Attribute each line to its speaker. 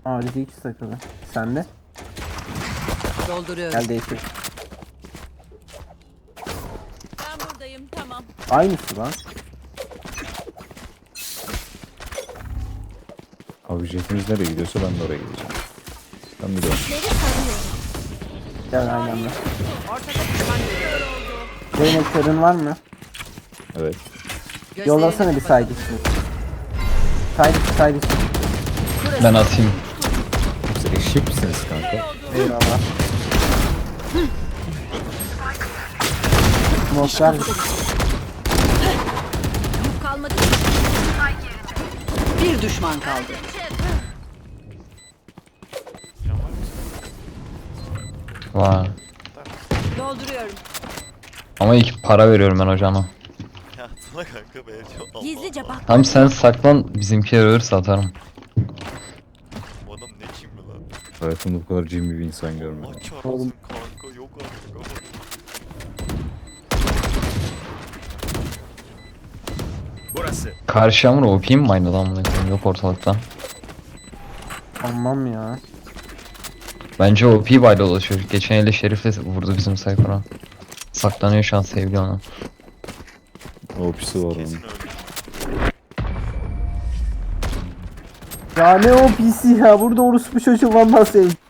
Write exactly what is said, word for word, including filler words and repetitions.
Speaker 1: Ağrıcı iki takılı. Sen de?
Speaker 2: Dolduruyorum.
Speaker 1: Gel değiştir.
Speaker 2: Ben buradayım, tamam.
Speaker 1: Aynısı lan.
Speaker 3: Abi jetimiz nereye gidiyorsa ben de oraya gideceğim. Ben biliyorum.
Speaker 1: Gel aynı anda.
Speaker 2: Ortada düşman görüyorum.
Speaker 1: Zeynep körün var mı?
Speaker 3: Evet.
Speaker 1: Yollasana bir side için. Side içi side içi.
Speaker 4: Ben atayım.
Speaker 3: Siz eşek misiniz kanka?
Speaker 1: Eyvallah. Smoklar
Speaker 2: Yük kalmadı. Bir düşman kaldı.
Speaker 4: Var.
Speaker 2: Dolduruyorum.
Speaker 4: Ama ilk para veriyorum ben hocama.
Speaker 5: Ya sana kanka ben çok
Speaker 2: Gizlice bak.
Speaker 4: Tamam sen saklan, bizimkiler ölürse atarım.
Speaker 5: Bu adam ne kimdi lan?
Speaker 3: Hayatımda bu kadar cimri bir insan görmedim.
Speaker 5: Aç arasın kanka yok artık ama.
Speaker 6: Burası.
Speaker 4: Karşı Yağmur O P mi aynı lan bunu? Yok ortalıkta.
Speaker 1: Almam ya.
Speaker 4: Bence O P bayla dolaşıyor. Geçen elde Şerif'le vurdu bizim sayfara. Saklanıyor şu an, sevgili ona.
Speaker 3: O pisi var
Speaker 5: Kesin
Speaker 3: onun.
Speaker 5: öldü.
Speaker 1: Ya ne o P C ya. Burada orospu çocuğu vallahi sevdim.